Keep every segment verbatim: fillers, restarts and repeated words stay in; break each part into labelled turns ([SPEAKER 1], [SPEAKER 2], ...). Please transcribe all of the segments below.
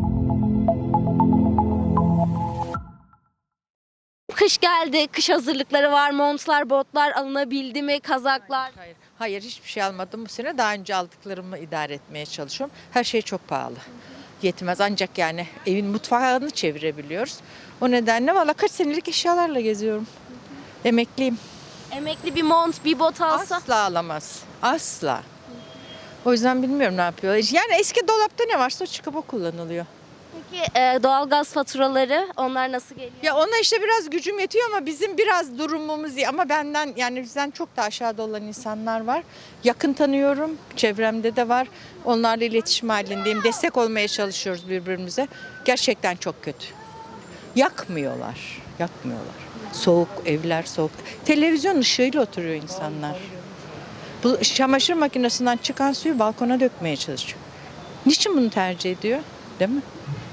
[SPEAKER 1] Kış geldi, kış hazırlıkları var, montlar, botlar alınabildi mi, kazaklar?
[SPEAKER 2] Hayır, hayır hiçbir şey almadım bu sene. Daha önce aldıklarımı idare etmeye çalışıyorum. Her şey çok pahalı. Yetmez ancak yani evin mutfağını çevirebiliyoruz. O nedenle valla kaç senelik eşyalarla geziyorum. Emekliyim.
[SPEAKER 1] Emekli bir mont, bir bot alsa?
[SPEAKER 2] Asla alamaz. Asla. O yüzden bilmiyorum ne yapıyor. Yani eski dolapta ne varsa o çıkıp o kullanılıyor.
[SPEAKER 1] Peki e, doğalgaz faturaları, onlar nasıl geliyor?
[SPEAKER 2] Ya ona işte biraz gücüm yetiyor ama bizim biraz durumumuz iyi. Ama benden yani bizden çok da aşağıda olan insanlar var. Yakın tanıyorum, çevremde de var. Onlarla iletişim halindeyim. Destek olmaya çalışıyoruz birbirimize. Gerçekten çok kötü. Yakmıyorlar, yakmıyorlar. Soğuk, evler soğuk. Televizyon ışığıyla oturuyor insanlar. Bu çamaşır makinesinden çıkan suyu balkona dökmeye çalışıyor. Niçin bunu tercih ediyor? Değil mi?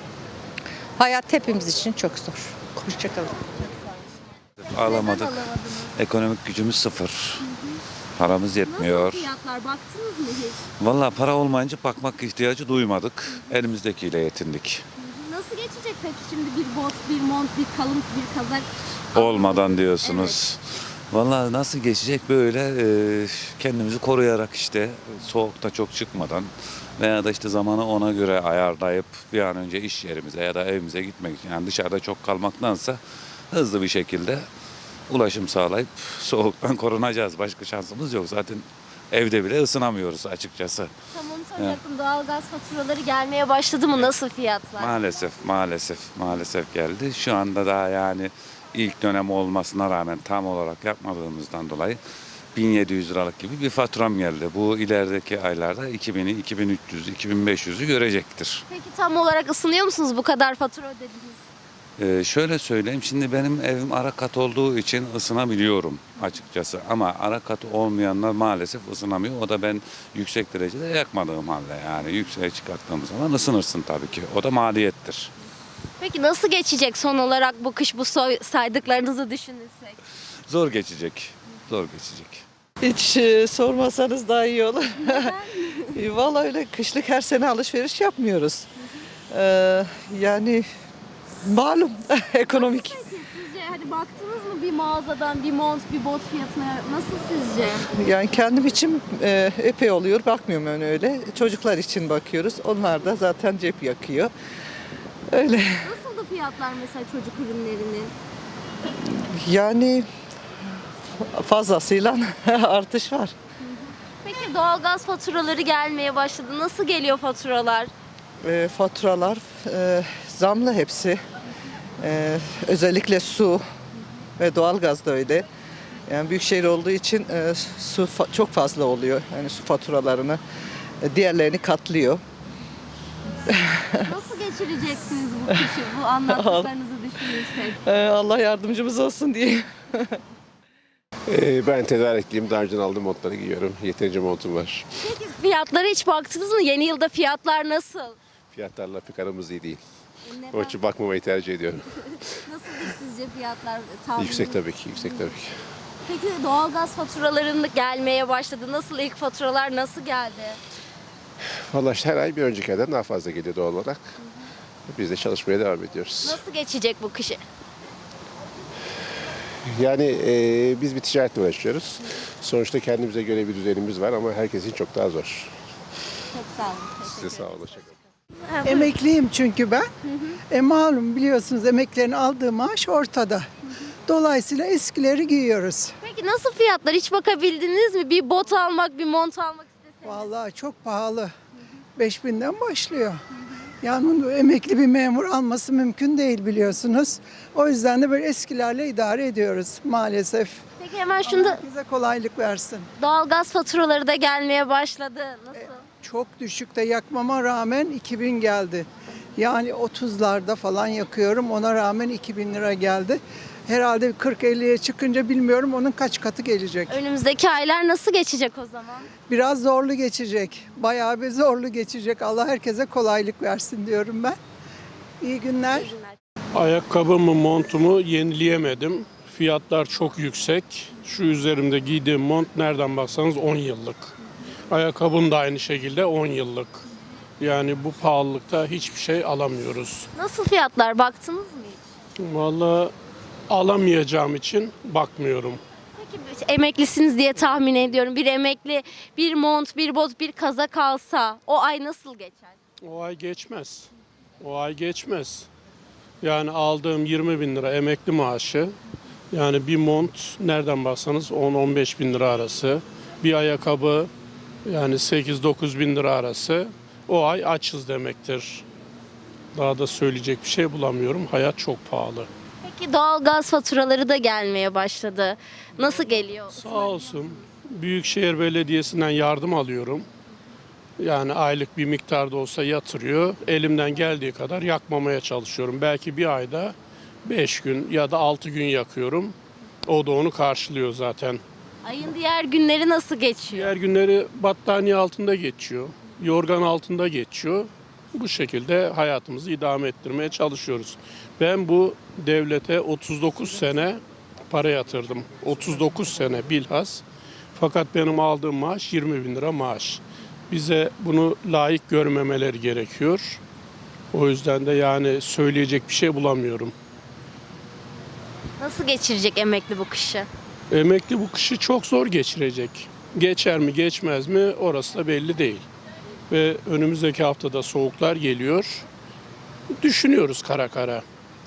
[SPEAKER 2] Hayat hepimiz için çok zor. Hoşçakalın.
[SPEAKER 3] Alamadık. Ekonomik gücümüz sıfır. Paramız yetmiyor.
[SPEAKER 1] Nasıl fiyatlar, baktınız mı hiç?
[SPEAKER 3] Vallahi para olmayınca bakmak ihtiyacı duymadık. Elimizdekiyle yetindik.
[SPEAKER 1] Nasıl geçecek peki şimdi bir bot, bir mont, bir kalın, bir kazak?
[SPEAKER 3] Olmadan diyorsunuz. Vallahi nasıl geçecek böyle e, kendimizi koruyarak işte soğukta çok çıkmadan veya da işte zamanı ona göre ayarlayıp bir an önce iş yerimize ya da evimize gitmek için yani dışarıda çok kalmaktansa hızlı bir şekilde ulaşım sağlayıp soğuktan korunacağız. Başka şansımız yok. Zaten evde bile ısınamıyoruz açıkçası.
[SPEAKER 1] Tam onu soracaktım. Doğalgaz faturaları gelmeye başladı mı? Nasıl fiyatlar?
[SPEAKER 3] Maalesef, maalesef, maalesef geldi. Şu anda daha yani ilk dönem olmasına rağmen tam olarak yapmadığımızdan dolayı bin yedi yüz liralık gibi bir faturam geldi. Bu ilerideki aylarda iki bini, iki bin üç yüz, iki bin beş yüzü görecektir.
[SPEAKER 1] Peki tam olarak ısınıyor musunuz? Bu kadar fatura ödediniz.
[SPEAKER 3] Ee, şöyle söyleyeyim, şimdi benim evim ara kat olduğu için ısınabiliyorum açıkçası. Ama ara kat olmayanlar maalesef ısınamıyor. O da ben yüksek derecede yakmadığım halde yani yükseğe çıkarttığımız zaman ısınırsın tabii ki. O da maliyettir.
[SPEAKER 1] Peki nasıl geçecek son olarak bu kış bu soy- saydıklarınızı düşünürsek?
[SPEAKER 3] Zor geçecek, zor geçecek.
[SPEAKER 4] Hiç e, sormasanız daha iyi olur. E, Vallahi öyle kışlık her sene alışveriş yapmıyoruz. Ee, yani malum ekonomik.
[SPEAKER 1] Sizce hani baktınız mı bir mağazadan bir mont, bir bot fiyatına nasıl sizce?
[SPEAKER 4] Yani kendim için e, epey oluyor. Bakmıyorum ben öyle. Çocuklar için bakıyoruz. Onlar da zaten cep yakıyor. Öyle.
[SPEAKER 1] Nasıldı fiyatlar mesela çocuk ürünlerinin?
[SPEAKER 4] Yani fazlasıyla artış var.
[SPEAKER 1] Peki doğalgaz faturaları gelmeye başladı. Nasıl geliyor faturalar?
[SPEAKER 4] E, faturalar e, zamlı hepsi. E, özellikle su ve doğalgaz da öyle. Yani büyük şehir olduğu için e, su fa- çok fazla oluyor. Yani su faturalarını e, diğerlerini katlıyor.
[SPEAKER 1] Nasıl geçireceksiniz bu kışı, bu anlattıklarınızı düşünürsek?
[SPEAKER 4] E, Allah yardımcımız olsun diye.
[SPEAKER 5] Ee, ben tedarikliyim. Daha önce aldığım montları giyiyorum. Yeterince montum var.
[SPEAKER 1] Peki fiyatlara hiç baktınız mı? Yeni yılda fiyatlar nasıl?
[SPEAKER 5] Fiyatlarla pek aramız iyi değil.
[SPEAKER 1] Neden?
[SPEAKER 5] Onun için bakmamayı tercih ediyorum.
[SPEAKER 1] Nasıldır sizce fiyatlar? tahmini?
[SPEAKER 5] Yüksek tabii ki, yüksek tabii ki.
[SPEAKER 1] Peki doğalgaz faturalarının gelmeye başladı. Nasıl ilk faturalar nasıl geldi?
[SPEAKER 5] Vallahi işte her ay bir önceki aydan daha fazla geliyor doğal olarak. Biz de çalışmaya devam ediyoruz.
[SPEAKER 1] Nasıl geçecek bu kışı?
[SPEAKER 5] Yani e, biz bir ticaretle uğraşıyoruz. Sonuçta kendimize göre bir düzenimiz var ama herkesin çok daha zor.
[SPEAKER 1] Çok sağ olun.
[SPEAKER 5] Size sağ olun. Hoşça kalın.
[SPEAKER 1] Ha, buyurun.
[SPEAKER 6] Emekliyim çünkü ben. E malum biliyorsunuz emeklerin aldığı maaş ortada. Dolayısıyla eskileri giyiyoruz.
[SPEAKER 1] Peki nasıl fiyatlar? Hiç bakabildiniz mi? Bir bot almak, bir mont almak isteseniz.
[SPEAKER 6] Vallahi çok pahalı. beş binden başlıyor. Yani emekli bir memur alması mümkün değil biliyorsunuz. O yüzden de böyle eskilerle idare ediyoruz maalesef.
[SPEAKER 1] Peki hemen şunda
[SPEAKER 6] Herkese kolaylık versin.
[SPEAKER 1] doğalgaz faturaları da gelmeye başladı. Nasıl?
[SPEAKER 6] Çok düşükte yakmama rağmen iki bin geldi. Yani otuzlarda falan yakıyorum. Ona rağmen iki bin lira geldi. Herhalde kırk elliye çıkınca bilmiyorum onun kaç katı gelecek.
[SPEAKER 1] Önümüzdeki aylar nasıl geçecek o zaman?
[SPEAKER 6] Biraz zorlu geçecek. Bayağı bir zorlu geçecek. Allah herkese kolaylık versin diyorum ben. İyi günler.
[SPEAKER 1] İyi günler.
[SPEAKER 7] Ayakkabımı, montumu yenileyemedim. Fiyatlar çok yüksek. Şu üzerimde giydiğim mont nereden baksanız on yıllık. Ayakkabım da aynı şekilde on yıllık. Yani bu pahalılıkta hiçbir şey alamıyoruz.
[SPEAKER 1] Nasıl fiyatlar, baktınız mı hiç?
[SPEAKER 7] Vallahi alamayacağım için bakmıyorum.
[SPEAKER 1] Peki emeklisiniz diye tahmin ediyorum. Bir emekli bir mont, bir bot, bir kazak alsa o ay nasıl geçer?
[SPEAKER 7] O ay geçmez. O ay geçmez. Yani aldığım yirmi bin lira emekli maaşı. Yani bir mont nereden baksanız on on beş bin lira arası. Bir ayakkabı yani sekiz dokuz bin lira arası. O ay açız demektir. Daha da söyleyecek bir şey bulamıyorum. Hayat çok pahalı.
[SPEAKER 1] Peki doğalgaz faturaları da gelmeye başladı. Nasıl geliyor?
[SPEAKER 7] Sağ olsun. Büyükşehir Belediyesi'nden yardım alıyorum. Yani aylık bir miktarda olsa yatırıyor. Elimden geldiği kadar yakmamaya çalışıyorum. Belki bir ayda beş gün ya da altı gün yakıyorum. O da onu karşılıyor zaten.
[SPEAKER 1] Ayın diğer günleri nasıl geçiyor?
[SPEAKER 7] Diğer günleri battaniye altında geçiyor. Yorgan altında geçiyor. Bu şekilde hayatımızı idame ettirmeye çalışıyoruz. Ben bu devlete otuz dokuz sene para yatırdım. otuz dokuz sene bilhas. Fakat benim aldığım maaş yirmi bin lira maaş. Bize bunu layık görmemeleri gerekiyor. O yüzden de yani söyleyecek bir şey bulamıyorum.
[SPEAKER 1] Nasıl geçirecek emekli bu kışı?
[SPEAKER 7] Emekli bu kışı çok zor geçirecek. Geçer mi geçmez mi orası da belli değil. Ve önümüzdeki haftada soğuklar geliyor. Düşünüyoruz kara kara.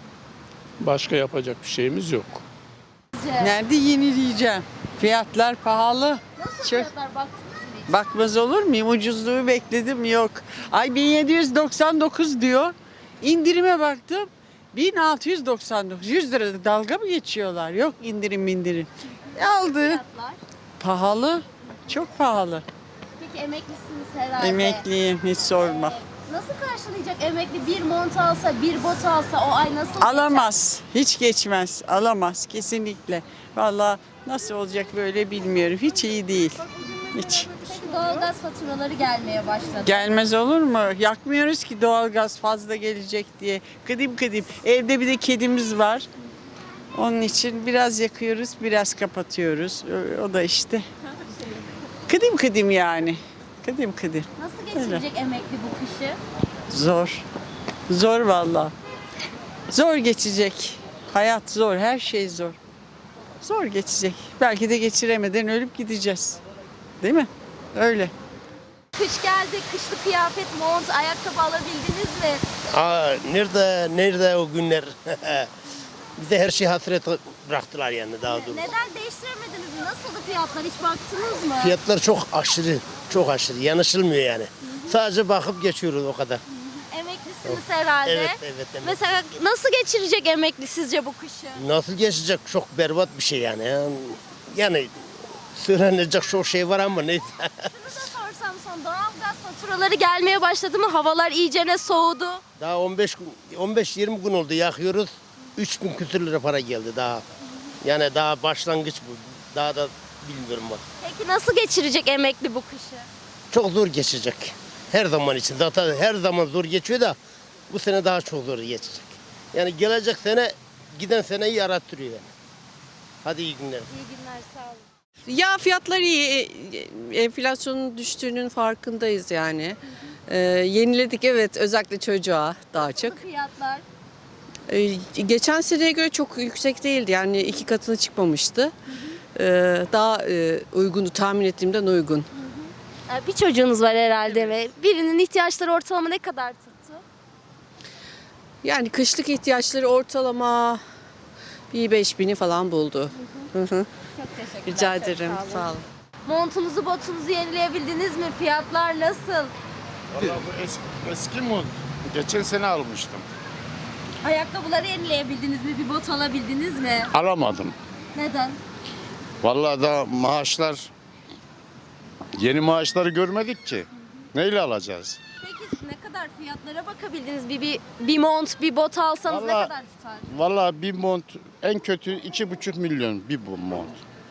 [SPEAKER 7] Başka yapacak bir şeyimiz yok.
[SPEAKER 8] Nerede yenileyeceğim? Fiyatlar pahalı.
[SPEAKER 1] Nasıl
[SPEAKER 8] Çok-
[SPEAKER 1] fiyatlar, baktınız mı hiç?
[SPEAKER 8] Bakmaz olur muyum? Ucuzluğu bekledim, yok. Ay bin yedi yüz doksan dokuz diyor. İndirime baktım. bin altı yüz doksan dokuz. yüz lirada dalga mı geçiyorlar? Yok indirim indirim. Aldı.
[SPEAKER 1] Fiyatlar.
[SPEAKER 8] Pahalı. Çok pahalı.
[SPEAKER 1] Peki emeklisiniz herhalde.
[SPEAKER 8] Emekliyim, hiç sorma.
[SPEAKER 1] Ee, Nasıl karşılayacak emekli bir mont alsa, bir bot alsa o ay nasıl
[SPEAKER 8] Alamaz. Hiç geçmez. Alamaz kesinlikle. Vallahi nasıl olacak böyle bilmiyorum. Hiç iyi değil. Hiç.
[SPEAKER 1] geçer? Peki doğalgaz faturaları gelmeye başladı.
[SPEAKER 8] Gelmez olur mu? Yakmıyoruz ki doğalgaz fazla gelecek diye. Kıdım kıdım. Evde bir de kedimiz var. Onun için biraz yakıyoruz, biraz kapatıyoruz. O- O da işte. Kıdım kıdım yani. Kıdım kıdım.
[SPEAKER 1] Nasıl geçirecek emekli bu kışı?
[SPEAKER 8] Zor. Zor vallahi. Zor geçecek. Hayat zor, her şey zor. Zor geçecek. Belki de geçiremeden ölüp gideceğiz. Değil mi? Öyle.
[SPEAKER 1] Kış geldi, kışlı kıyafet, mont, ayakkabı alabildiniz mi?
[SPEAKER 9] Aa, nerede nerede o günler? Bize her şey hasret bıraktılar yani daha doğrusu.
[SPEAKER 1] Neden değiştiremediniz mi? Nasıldı fiyatlar, hiç baktınız mı?
[SPEAKER 9] Fiyatlar çok aşırı, çok aşırı. Yanışılmıyor yani. Sadece bakıp geçiyoruz o kadar.
[SPEAKER 1] Emeklisiniz herhalde.
[SPEAKER 9] Evet, evet, evet.
[SPEAKER 1] Mesela nasıl geçirecek emekli sizce bu kışı?
[SPEAKER 9] Nasıl geçecek? Çok berbat bir şey yani. Yani, yani söylenecek çok şey var ama neyse.
[SPEAKER 1] Şunu da sorsam son, doğalgaz faturaları gelmeye başladı mı? Havalar iyicene soğudu.
[SPEAKER 9] Daha on beş gün, on beş yirmi gün oldu yakıyoruz. üç bin küsür lira para geldi daha. Yani daha başlangıç bu. Daha da bilmiyorum bak.
[SPEAKER 1] Peki nasıl geçirecek emekli bu kışı?
[SPEAKER 9] Çok zor geçecek. Her zaman için. Zaten her zaman zor geçiyor da bu sene daha çok zor geçecek. Yani gelecek sene giden seneyi yarattırıyor yani. Hadi iyi günler.
[SPEAKER 1] İyi günler, sağ olun.
[SPEAKER 10] Ya fiyatlar iyi, E, enflasyonun düştüğünün farkındayız yani. Ee, yeniledik evet, özellikle çocuğa daha çok.
[SPEAKER 1] Nasıl fiyatlar?
[SPEAKER 10] Ee, geçen seneye göre çok yüksek değildi yani iki katına çıkmamıştı. Ee, daha e, uygundu, tahmin ettiğimden uygun.
[SPEAKER 1] Ee, Bir çocuğunuz var herhalde ve birinin ihtiyaçları ortalama ne kadar tuttu?
[SPEAKER 10] Yani kışlık ihtiyaçları ortalama bir beş bini falan buldu. Hı hı.
[SPEAKER 1] Çok teşekkürler.
[SPEAKER 10] Rica
[SPEAKER 1] çok
[SPEAKER 10] ederim,
[SPEAKER 1] sağ olun.
[SPEAKER 10] sağ olun.
[SPEAKER 1] Montunuzu, botunuzu yenileyebildiniz mi? Fiyatlar nasıl?
[SPEAKER 11] Valla bu eski, eski mod. Geçen sene almıştım.
[SPEAKER 1] Ayakkabıları yenileyebildiniz mi? Bir bot alabildiniz mi?
[SPEAKER 11] Alamadım.
[SPEAKER 1] Neden?
[SPEAKER 11] Vallahi da maaşlar, yeni maaşları görmedik ki. Neyle alacağız?
[SPEAKER 1] Peki ne kadar fiyatlara bakabildiniz? Bir, bir, bir mont, bir bot alsanız ne
[SPEAKER 11] Vallahi-
[SPEAKER 1] kadar tutar?
[SPEAKER 11] Vallahi bir mont en kötü iki buçuk milyon bir bu mont.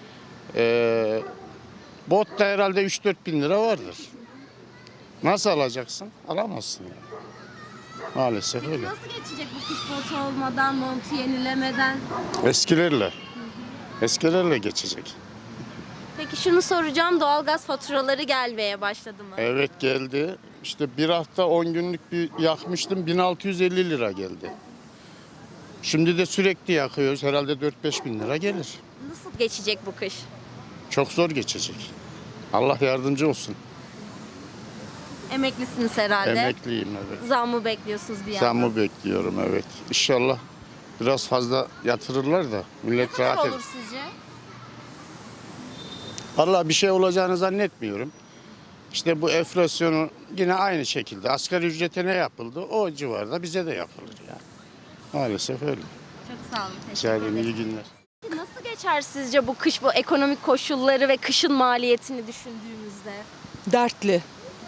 [SPEAKER 11] Ee, bot da herhalde üç dört bin lira vardır. Nasıl alacaksın? Alamazsın yani. Maalesef
[SPEAKER 1] Peki
[SPEAKER 11] öyle.
[SPEAKER 1] nasıl geçecek bu kış botu olmadan, montu yenilemeden?
[SPEAKER 11] Eskilerle. Eskilerle geçecek.
[SPEAKER 1] Peki şunu soracağım, doğalgaz faturaları gelmeye başladı mı?
[SPEAKER 11] Evet geldi. İşte bir hafta on günlük bir yakmıştım, bin altı yüz elli lira geldi. Şimdi de sürekli yakıyoruz, herhalde dört beş bin lira gelir.
[SPEAKER 1] Nasıl geçecek bu kış?
[SPEAKER 11] Çok zor geçecek. Allah yardımcı olsun.
[SPEAKER 1] Emeklisiniz herhalde.
[SPEAKER 11] Emekliyim, evet.
[SPEAKER 1] Zam mı bekliyorsunuz bir yandan?
[SPEAKER 11] Zammı bekliyorum, evet. İnşallah biraz fazla yatırırlar da
[SPEAKER 1] Ne
[SPEAKER 11] millet
[SPEAKER 1] kadar
[SPEAKER 11] rahat eder.
[SPEAKER 1] olur sizce?
[SPEAKER 11] Vallahi bir şey olacağını zannetmiyorum. İşte bu enflasyonu yine aynı şekilde asgari ücrete ne yapıldı o civarda bize de yapılır yani. Maalesef öyle.
[SPEAKER 1] Çok sağ olun.
[SPEAKER 11] Rica
[SPEAKER 1] Teşekkür
[SPEAKER 11] ederim,
[SPEAKER 1] ederim.
[SPEAKER 11] iyi günler.
[SPEAKER 1] Nasıl geçer sizce bu kış, bu ekonomik koşulları ve kışın maliyetini düşündüğümüzde?
[SPEAKER 12] Dertli,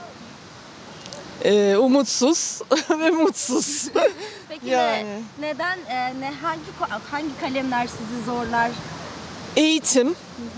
[SPEAKER 12] Ee, umutsuz ve mutsuz.
[SPEAKER 1] Peki
[SPEAKER 12] Yani.
[SPEAKER 1] ne, neden, e, ne hangi ko- hangi kalemler sizi zorlar?
[SPEAKER 12] Eğitim,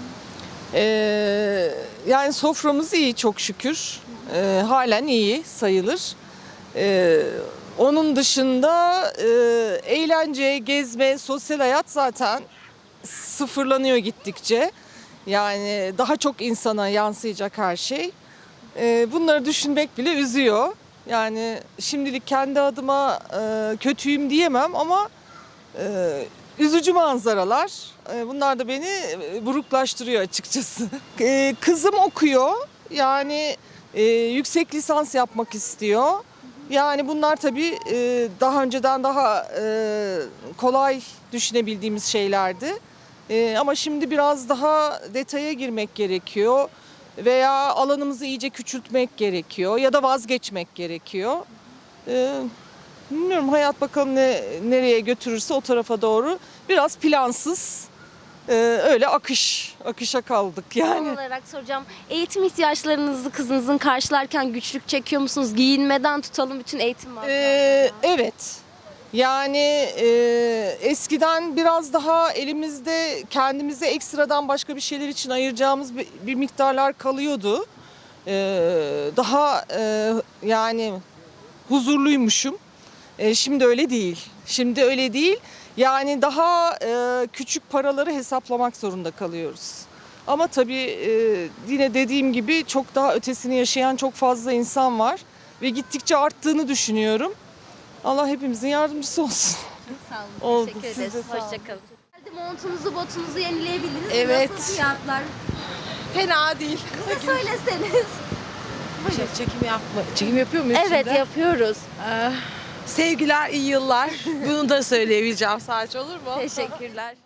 [SPEAKER 12] Ee, yani soframız iyi çok şükür, Ee, halen iyi sayılır. Ee, onun dışında e, eğlence, gezme, sosyal hayat zaten sıfırlanıyor gittikçe. Yani daha çok insana yansıyacak her şey. Ee, bunları düşünmek bile üzüyor. Yani şimdilik kendi adıma e, kötüyüm diyemem ama e, üzücü manzaralar. E, bunlar da beni e, buruklaştırıyor açıkçası. E, kızım okuyor. Yani e, yüksek lisans yapmak istiyor. Yani bunlar tabii e, daha önceden daha e, kolay düşünebildiğimiz şeylerdi. E, ama şimdi biraz daha detaya girmek gerekiyor. Veya alanımızı iyice küçültmek gerekiyor ya da vazgeçmek gerekiyor. Ee, bilmiyorum hayat bakalım ne nereye götürürse o tarafa doğru. Biraz plansız, e, öyle akış, akışa kaldık
[SPEAKER 1] Son
[SPEAKER 12] yani.
[SPEAKER 1] olarak soracağım. Eğitim ihtiyaçlarınızı kızınızın karşılarken güçlük çekiyor musunuz? Giyinmeden tutalım bütün eğitim masraflarını.
[SPEAKER 12] Ee, evet. Yani e, eskiden biraz daha elimizde kendimize ekstradan başka bir şeyler için ayıracağımız bir, bir miktarlar kalıyordu. Ee, daha e, yani huzurluymuşum. E, şimdi öyle değil. Şimdi öyle değil. Yani daha e, küçük paraları hesaplamak zorunda kalıyoruz. Ama tabii e, yine dediğim gibi çok daha ötesini yaşayan çok fazla insan var. Ve gittikçe arttığını düşünüyorum. Allah hepimizin yardımcısı olsun.
[SPEAKER 1] Çok sağ olun.
[SPEAKER 12] Oldu.
[SPEAKER 1] Teşekkür
[SPEAKER 12] Siz de
[SPEAKER 1] ederiz.
[SPEAKER 12] sağ olun.
[SPEAKER 1] Hoşçakalın. Montunuzu, botunuzu yenileyebildiniz mi?
[SPEAKER 12] Evet.
[SPEAKER 1] Nasıl fiyatlar?
[SPEAKER 12] Fena değil.
[SPEAKER 1] Bize söyleseniz.
[SPEAKER 12] Şey, çekim yapma. Çekim yapıyor muyuz
[SPEAKER 1] Evet
[SPEAKER 12] şimdi?
[SPEAKER 1] yapıyoruz.
[SPEAKER 12] Sevgiler, iyi yıllar. Bunu da söyleyebileceğim sadece olur mu?
[SPEAKER 1] Teşekkürler.